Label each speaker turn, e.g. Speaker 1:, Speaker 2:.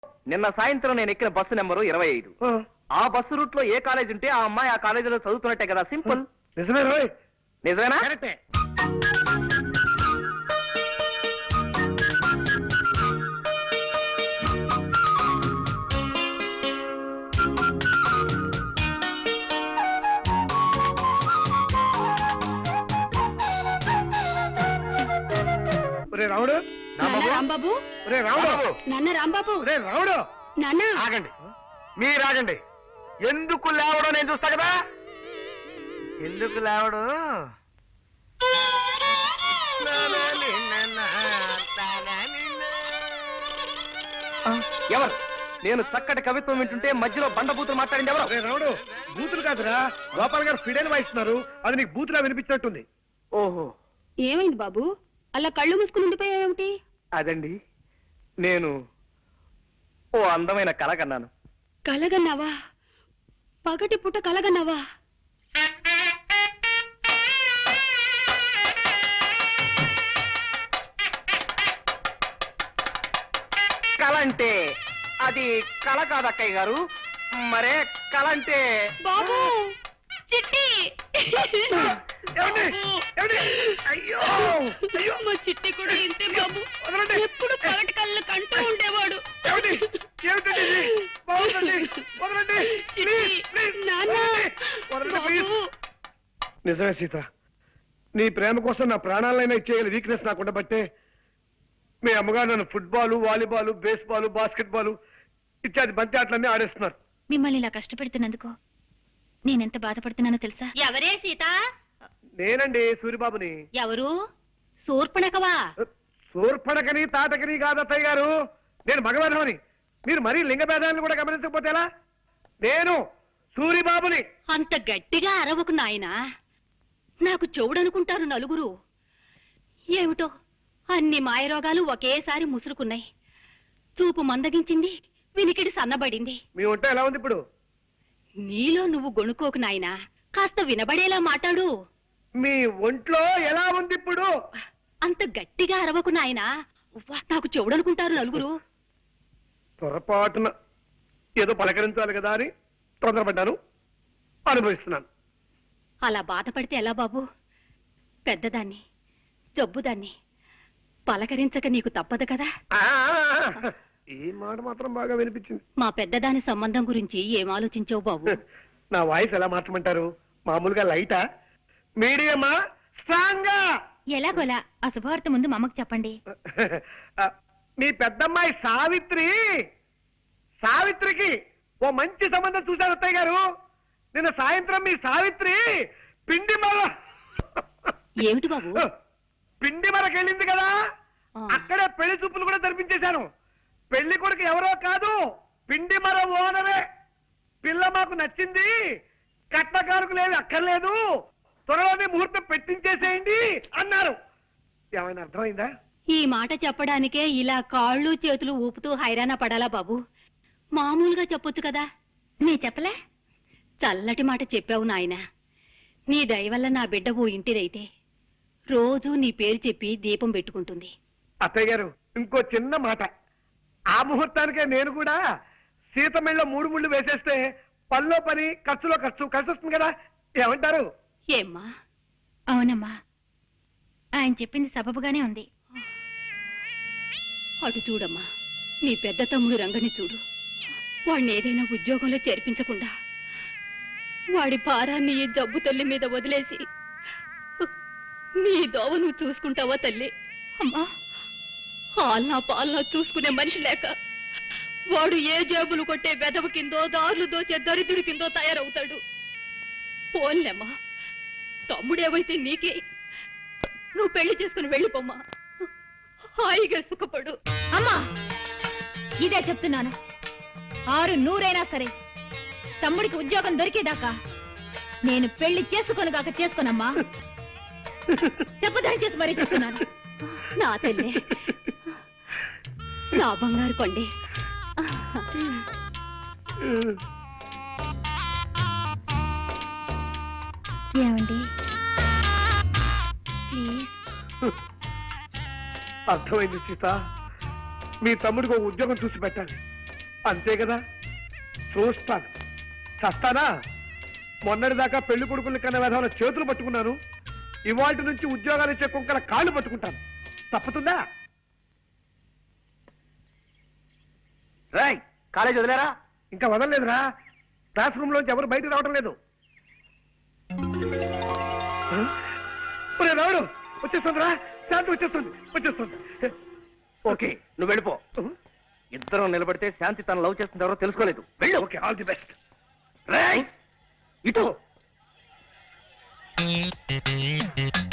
Speaker 1: నిన్న సాయంత్రం నేను ఎక్కిన బస్సు నెంబరు 25. ఆ బస్సు రూట్ లో ఏ కాలేజ్ ఉంటే ఆ అమ్మాయి ఆ కాలేజీలో చదువుతున్నట్టే కదా. సింపుల్.
Speaker 2: నిజమే రోయ్.
Speaker 1: నిజమేనా?
Speaker 2: రాముడు,
Speaker 3: రాంబాబు,
Speaker 2: రాముడు,
Speaker 3: నాన్న రాంబాబు,
Speaker 2: రాముడు,
Speaker 3: నాన్న
Speaker 1: ఆగండి, మీరు ఆగండి. ఎందుకు లేవడం నేను చూస్తా కదా. ఎందుకు లేవడం? ఎవరు? నేను చక్కటి కవిత్వం వింటుంటే మధ్యలో బండబూతులు మాట్లాడింది ఎవరు?
Speaker 2: రాముడు, బూతులు కాదురా, గోపాల్ గారు ఫిడైన్ వాయిస్తున్నారు. అది నీకు బూతులా వినిపించినట్టుంది.
Speaker 1: ఓహో,
Speaker 3: ఏమైంది బాబు? అలా కళ్ళు మూసుకుని ఉండిపోయావేమిటి?
Speaker 1: అదండి, నేను ఓ అందమైన కళ కన్నాను.
Speaker 3: కలగన్నావా? పగటి పుట్ట కలగన్నావా?
Speaker 1: కళ అంటే అది కళ కాదు అక్కయ్య గారు. మరే కళ అంటే
Speaker 3: బాబు, చిట్టి. మా చిట్టి కూడా ఇంతే బాబు. ఎప్పుడు పగటి కళ్ళు కంటూ ఉండేవాడు.
Speaker 2: నిజమే సీత, నీ ప్రేమ కోసం నా ప్రాణాలైనా ఇచ్చేయాలి వీక్నెస్ నాకు ఉండబట్టే మీ అమ్మగారు నన్ను football, volleyball, baseball, basketball ఇత్యాది బంతి ఆటలన్నీ ఆడేస్తున్నారు.
Speaker 4: మిమ్మల్ని ఇలా కష్టపెడుతున్నందుకు నేనెంత బాధపడుతున్నానో తెలుసా?
Speaker 3: ఎవరే సీత?
Speaker 2: నేనండి, సూరిబాబుని.
Speaker 3: ఎవరు? శూర్పణఖవా?
Speaker 2: శూర్పణఖని తాటకని కాదత్తయ్య గారు, నేను మగవర్ణమని. మీరు మరీ లింగ భేదాలను కూడా గమనించకపోతే ఎలా? నేను సూరిబాబుని.
Speaker 3: అంత గట్టిగా అరవకు నాయనా, నాకు చెవుడనుకుంటారు నలుగురు. ఏమిటో అన్ని మాయరోగాలు ఒకేసారి ముసురుకున్నాయి. చూపు మందగించింది, వినికిడి సన్నబడింది.
Speaker 2: మీ ఒంట ఎలా ఉంది ఇప్పుడు?
Speaker 3: నీలో నువ్వు గొణుకోకు నాయనా, కాస్త వినబడేలా మాట్లాడు.
Speaker 2: మీ ఒంట్లో ఎలా ఉంది ఇప్పుడు?
Speaker 3: అంత గట్టిగా అరవకు నాయనా, నాకు చెవుడనుకుంటారు నలుగురు.
Speaker 2: పొరపాటున ఏదో పలకరించాలి కదా అని తొందరపడ్డాను, అనుభవిస్తున్నాను.
Speaker 3: అలా బాధపడితే ఎలా బాబు? పెద్దదాన్ని, జబ్బుదాన్ని పలకరించక నీకు తప్పదు కదా.
Speaker 2: ఈ మాట మాత్రం బాగా వినిపించింది.
Speaker 3: మా పెద్దదాని సంబంధం గురించి ఏం ఆలోచించావు బాబు?
Speaker 2: నా వాయిస్ ఎలా మార్చమంటారు? మామూలుగా లైటా, మీడియమా, స్ట్రాంగా?
Speaker 4: ఎలాగోలా ఆ శుభవార్త ముందు మా అమ్మకు చెప్పండి.
Speaker 2: మీ పెద్దమ్మాయి సావిత్రికి ఓ మంచి సంబంధం చూశారు అత్తయ్య గారు. నిన్న సాయంత్రం మీ సావిత్రి
Speaker 3: ఏమిటి బాబు?
Speaker 2: పిండి మరకెళ్ళింది కదా, అక్కడే పెళ్లి చూపులు కూడా జరిపించేశాను. పెళ్లి కొడుకు ఎవరో కాదు, పిండి మర ఓనరే. పిల్ల మాకు నచ్చింది, కట్నకారుకు లేదు, అక్కర్లేదు, త్వరలోనే ముహూర్తం పెట్టించేసేయండి అన్నారు. ఏమైనా అర్థమైందా?
Speaker 3: ఈ మాట చెప్పడానికే ఇలా కాళ్ళు చేతులు ఊపుతూ హైరాణ పడాలా బాబు? మామూలుగా చెప్పొచ్చు కదా. నీ చెప్పలే? చల్లటి మాట చెప్పావు నాయన. నీ దయ వల్ల నా బిడ్డ ఓ ఇంటిదైతే రోజూ నీ పేరు చెప్పి దీపం పెట్టుకుంటుంది.
Speaker 2: అత్తయ్య గారు, ఇంకో చిన్న మాట. ఆ ముహూర్తానికే నేను కూడా సీతమిళ్ళ 3 ముళ్ళు వేసేస్తే పనిలో పని, ఖర్చులో ఖర్చు కలిసి వస్తుంది కదా. ఏమంటారు?
Speaker 3: ఏమ్మా?
Speaker 4: అవునమ్మా, ఆయన చెప్పింది సబబుగానే ఉంది.
Speaker 3: అటు చూడమ్మా, నీ పెద్ద తమ్ముడు రంగని చూడు. వాడిని ఏదైనా ఉద్యోగంలో చేర్పించకుండా వాడి భారాన్ని ఈ జబ్బు తల్లి మీద వదిలేసి నీ దోవ నువ్వు చూసుకుంటావా తల్లి? అమ్మా, ఆల్నా పాలనా చూసుకునే మనిషి లేక వాడు ఏ జేబులు కొట్టే వెదవు కిందో, దారులు దోచే దరిద్రుడి కిందో తయారవుతాడు. పోన్లేమ్మా, తమ్ముడేవైతే నీకే. నువ్వు పెళ్లి చేసుకుని వెళ్ళిపోమ్మా, హాయిగా సుఖపడు.
Speaker 4: అమ్మా, ఇదే చెప్తున్నాను. 600 సరే, తమ్ముడికి ఉద్యోగం దొరికేదాకా నేను పెళ్లి చేసుకోనుగాక చేసుకోనమ్మా. చెప్పదని చేసి మరీ చెప్తున్నాను.
Speaker 3: నా తల్లి, నా బంగారు కొండి.
Speaker 4: ఏమండి ప్లీజ్?
Speaker 2: అర్థమైంది సీత, మీ తమ్ముడికి ఒక ఉద్యోగం చూసి పెట్టాలి. అంతే కదా, చూస్తాను. చస్తానా? మొన్నటిదాకా పెళ్లి కొడుకుల్ని కన్నా విధాల చేతులు పట్టుకున్నాను, ఇవాటి నుంచి ఉద్యోగాలు ఇచ్చే కుక్కల కాళ్ళు పట్టుకుంటాను. తప్పుతుందా?
Speaker 1: రాయ్ కాలేజ్ వదిలేరా?
Speaker 2: ఇంకా వదలలేదురా. క్లాస్ రూమ్ లోంచి ఎవరు బయటకు రావడం లేదు. రావడం వచ్చేస్తుందిరా, శాంతి వచ్చేస్తుంది.
Speaker 1: ఓకే నువ్వు వెళ్ళిపో. ఇద్దరం నిలబడితే శాంతి తన లవ్ చేస్తుంది ఎవరో తెలుసుకోలేదు. వెళ్ళు.
Speaker 2: Okay, all the best.
Speaker 1: రాయ్ ఇటు.